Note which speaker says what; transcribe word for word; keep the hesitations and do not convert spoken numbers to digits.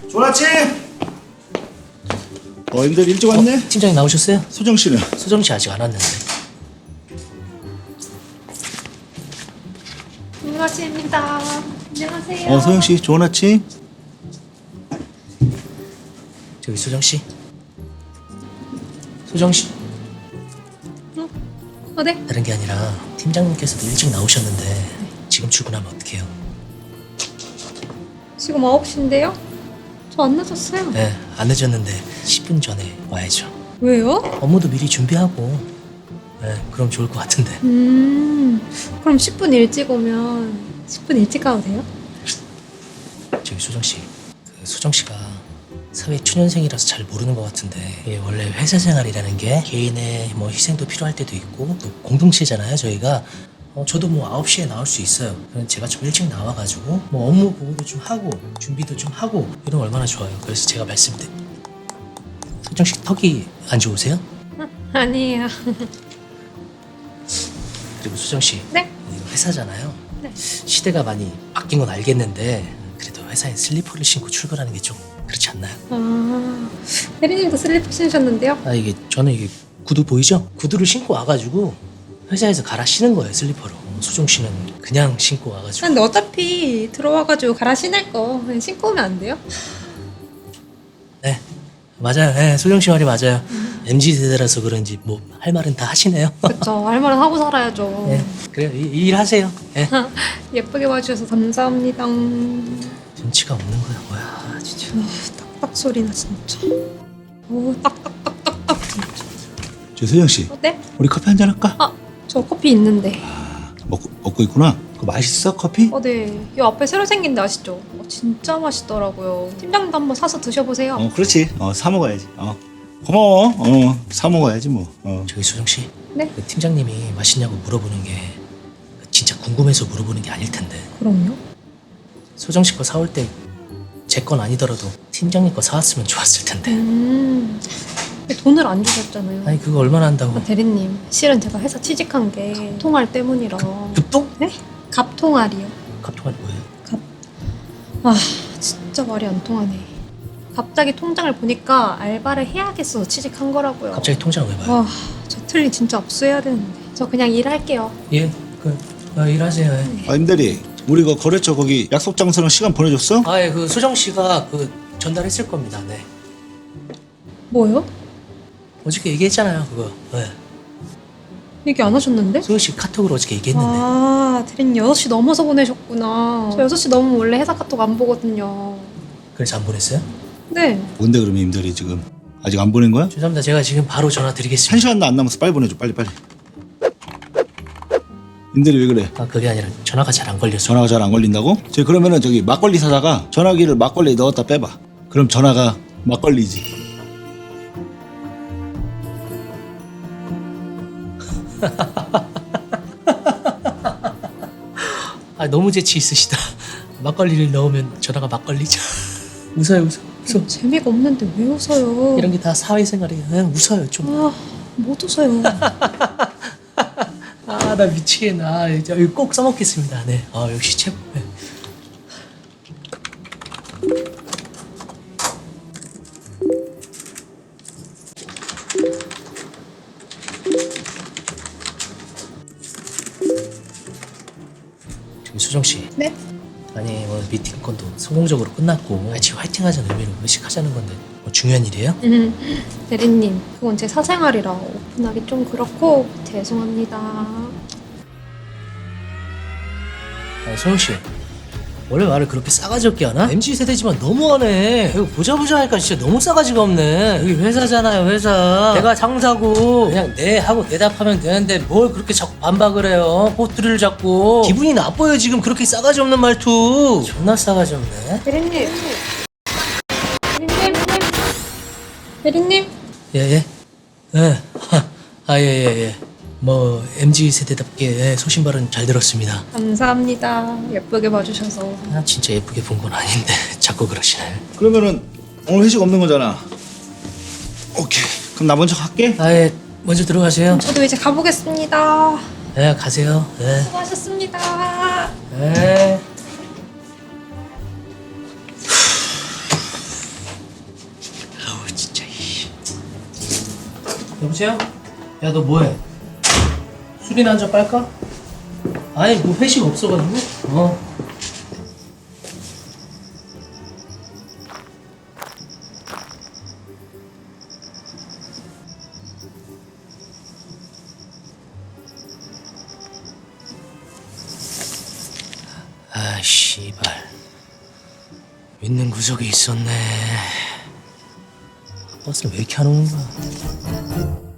Speaker 1: 좋은 아침. 어, 임들 일찍 왔네.
Speaker 2: 어, 팀장님 나오셨어요?
Speaker 1: 소정 씨는?
Speaker 2: 소정 씨 아직 안 왔는데.
Speaker 3: 좋은 아침입니다. 안녕하세요.
Speaker 1: 어, 소영 씨, 좋은 아침.
Speaker 2: 저기 소정 씨. 소정 씨.
Speaker 3: 어, 네?
Speaker 2: 다른 게 아니라 팀장님께서도 일찍 나오셨는데 지금 출근하면 어떡해요?
Speaker 3: 지금 아홉 시인데요? 저 안 늦었어요.
Speaker 2: 네, 안 늦었는데 십 분 전에 와야죠.
Speaker 3: 왜요?
Speaker 2: 업무도 미리 준비하고. 네, 그럼 좋을 것 같은데.
Speaker 3: 음, 그럼 십 분 일찍 오면 십 분 일찍 가도 돼요?
Speaker 2: 저기 소정 씨. 그 소정 씨가 사회 초년생이라서 잘 모르는 것 같은데 이게 원래 회사 생활이라는 게 개인의 뭐 희생도 필요할 때도 있고 또 공동체잖아요 저희가. 어, 저도 뭐 아홉 시에 나올 수 있어요. 그럼 제가 좀 일찍 나와가지고 뭐 업무 보고도 좀 하고 준비도 좀 하고 이러면 얼마나 좋아요. 그래서 제가 말씀드린 소정 씨 턱이 안 좋으세요?
Speaker 3: 아니에요.
Speaker 2: 그리고 소정 씨
Speaker 3: 네?
Speaker 2: 이거 회사잖아요.
Speaker 3: 네.
Speaker 2: 시대가 많이 바뀐 건 알겠는데 그래도 회사에 슬리퍼를 신고 출근하는 게 좀 그렇지 않나요?
Speaker 3: 아, 혜린님도 슬리퍼 신으셨는데요?
Speaker 2: 아 이게 저는 이게 구두 보이죠? 구두를 신고 와가지고 회사에서 갈아 신은 거예요 슬리퍼로. 소정 씨는 그냥 신고 와가지고.
Speaker 3: 근데 어차피 들어와가지고 갈아 신을 거 그냥 신고 오면 안 돼요?
Speaker 2: 네 맞아요. 네, 소정 씨 말이 맞아요. 엠지 세대라서 그런지 뭐 할 말은 다 하시네요.
Speaker 3: 그쵸, 할 말은 하고 살아야죠.
Speaker 2: 네, 그래요. 이, 이 일 하세요. 네.
Speaker 3: 예쁘게 봐주셔서 감사합니다.
Speaker 2: 눈치가 없는 거야 뭐야 진짜.
Speaker 3: 아, 딱딱 소리나 진짜. 오, 딱딱딱딱딱 진짜.
Speaker 1: 저 소영 씨,
Speaker 3: 어, 네?
Speaker 1: 우리 커피 한잔 할까?
Speaker 3: 아, 저 커피 있는데.
Speaker 1: 먹고 먹고 있구나. 그거 맛있어 커피?
Speaker 3: 어, 네. 이 앞에 새로 생긴 데 아시죠? 어, 진짜 맛있더라고요. 팀장님도 한번 사서 드셔보세요.
Speaker 1: 어, 그렇지. 어, 사 먹어야지. 어, 고마워. 어, 사 먹어야지 뭐. 어.
Speaker 2: 저기 소정 씨.
Speaker 3: 네?
Speaker 2: 그 팀장님이 맛있냐고 물어보는 게 진짜 궁금해서 물어보는 게 아닐 텐데.
Speaker 3: 그럼요.
Speaker 2: 소정 씨 거 사올 때 제 건 아니더라도 팀장님 거 사왔으면 좋았을 텐데.
Speaker 3: 음, 돈을 안 주셨잖아요.
Speaker 2: 아니 그거 얼마나 한다고.
Speaker 3: 아, 대리님, 실은 제가 회사 취직한 게 통할 때문이라.
Speaker 2: 급동?
Speaker 3: 네? 갑통알이요.
Speaker 2: 갑통알이 뭐예요?
Speaker 3: 아, 진짜 말이 안 통하네. 갑자기 통장을 보니까 알바를 해야겠어서 취직한 거라고요.
Speaker 2: 갑자기 통장 왜 봐요?
Speaker 3: 와, 저 틀리 진짜 압수해야 되는데. 저 그냥 일할게요.
Speaker 2: 예, 그 어, 일하세요. 예.
Speaker 1: 아, 임대리, 우리 그 거래처 거기 약속 장소랑 시간 보내줬어?
Speaker 2: 아, 예, 그 소정 씨가 그 전달했을 겁니다. 네.
Speaker 3: 뭐요?
Speaker 2: 어저께 얘기했잖아요, 그거. 네.
Speaker 3: 얘기 안 하셨는데?
Speaker 2: 소정 씨 카톡으로 어저께 얘기했는데.
Speaker 3: 아, 대리님 여섯 시 넘어서 보내셨구나. 저 여섯 시 넘으면 원래 회사 카톡 안 보거든요.
Speaker 2: 그래서 안 보냈어요?
Speaker 3: 네.
Speaker 1: 뭔데 그러면 임대리 지금 아직 안 보낸 거야?
Speaker 2: 죄송합니다. 제가 지금 바로 전화
Speaker 1: 한
Speaker 2: 드리겠습니다.
Speaker 1: 시간도 안 남았어. 빨리 보내줘. 빨리 빨리. 임대리 왜 그래?
Speaker 2: 아, 그게 아니라 전화가 잘 안 걸려서.
Speaker 1: 전화가 잘 안 걸린다고? 저기 그러면은 저기 막걸리 사다가 전화기를 막걸리에 넣었다 빼봐. 그럼 전화가 막걸리지.
Speaker 2: 아, 너무 재치 있으시다. 막걸리를 넣으면 전화가 막걸리죠. 웃어요, 웃어, 웃어.
Speaker 3: 재미가 없는데 왜 웃어요?
Speaker 2: 이런 게 다 사회생활이에요. 그냥 웃어요, 좀.
Speaker 3: 아, 못 웃어요.
Speaker 2: 아, 나 미치겠네. 아, 이제 이거 꼭 써먹겠습니다. 네. 아, 역시 최고. 네. 저기 수정 씨.
Speaker 3: 네?
Speaker 2: 아니 오늘 미팅 건도 성공적으로 끝났고 같이 화이팅하자는 의미로 회식하자는 건데 뭐 중요한 일이에요?
Speaker 3: 음, 대리님, 그건 제 사생활이라 오픈하기 좀 그렇고 죄송합니다.
Speaker 2: 아니 소영 씨 원래 말을 그렇게 싸가지 없게 하나? 엠지 세대지만 너무하네. 이거 보자 보자 하니까 진짜 너무 싸가지가 없네. 여기 회사잖아요 회사. 내가 상사고 그냥 네 하고 대답하면 되는데 뭘 그렇게 자꾸 반박을 해요. 꼬투리를 잡고. 기분이 나빠요 지금 그렇게 싸가지 없는 말투. 존나 싸가지 없네.
Speaker 3: 대리님. 대리님. 대리님.
Speaker 2: 예예. 예. 아예예 예, 예. 뭐 엠지 세대답게 예, 소신 발언 잘 들었습니다.
Speaker 3: 감사합니다. 예쁘게 봐주셔서.
Speaker 2: 아, 진짜 예쁘게 본 건 아닌데 자꾸 그러시네.
Speaker 1: 그러면은 오늘 회식 없는 거잖아. 오케이. 그럼 나 먼저 갈게.
Speaker 2: 아예 먼저 들어가세요.
Speaker 3: 저도 이제 가보겠습니다.
Speaker 2: 네 가세요. 네.
Speaker 3: 수고하셨습니다.
Speaker 2: 네. 여보세요? 야 너 뭐해? 술이나 한잔 빨까? 아니 뭐 회식 없어가지고. 어. 아 씨발 있는 구석에 있었네. 버스를 왜 이렇게 안 오는 거야?